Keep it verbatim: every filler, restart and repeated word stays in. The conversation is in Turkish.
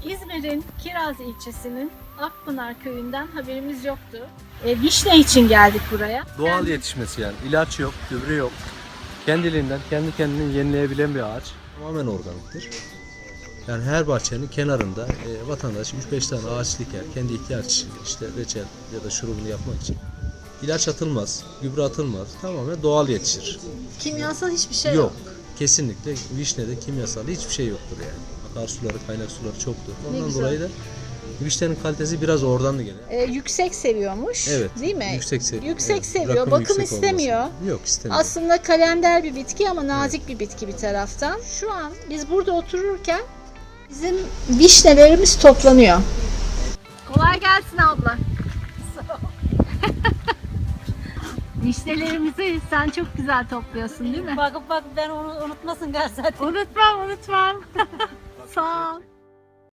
İzmir'in Kiraz ilçesinin Akpınar köyünden haberimiz yoktu. E, vişne için geldik buraya. Doğal yetişmesi yani. İlaç yok, gübre yok. Kendiliğinden, kendi kendini yenileyebilen bir ağaç. Tamamen organiktir. Yani her bahçenin kenarında e, vatandaş üç beş tane ağaç diker. Kendi ihtiyaç için, işte reçel ya da şurubunu yapmak için. İlaç atılmaz, gübre atılmaz. Tamamen doğal yetişir. Kimyasal hiçbir şey yok. Yok. Kesinlikle vişnede kimyasal hiçbir şey yoktur yani. Akarsuları, kaynak suları çoktur. Ne Ondan güzel. dolayı da vişnenin kalitesi biraz oradan da geliyor. Ee, yüksek seviyormuş. Evet. Değil mi? Yüksek seviyor. Yüksek Evet, seviyor. rakım Bakım yüksek istemiyor. olması. Yok istemiyor. Aslında kalender bir bitki ama nazik bir bitki bir taraftan. Şu an biz burada otururken bizim vişnelerimiz toplanıyor. Kolay gelsin abla. Vişnelerimizi sen çok güzel topluyorsun değil mi? Bakıp bak ben onu unutmasın gel zaten. Unutmam unutmam. Sağ ol.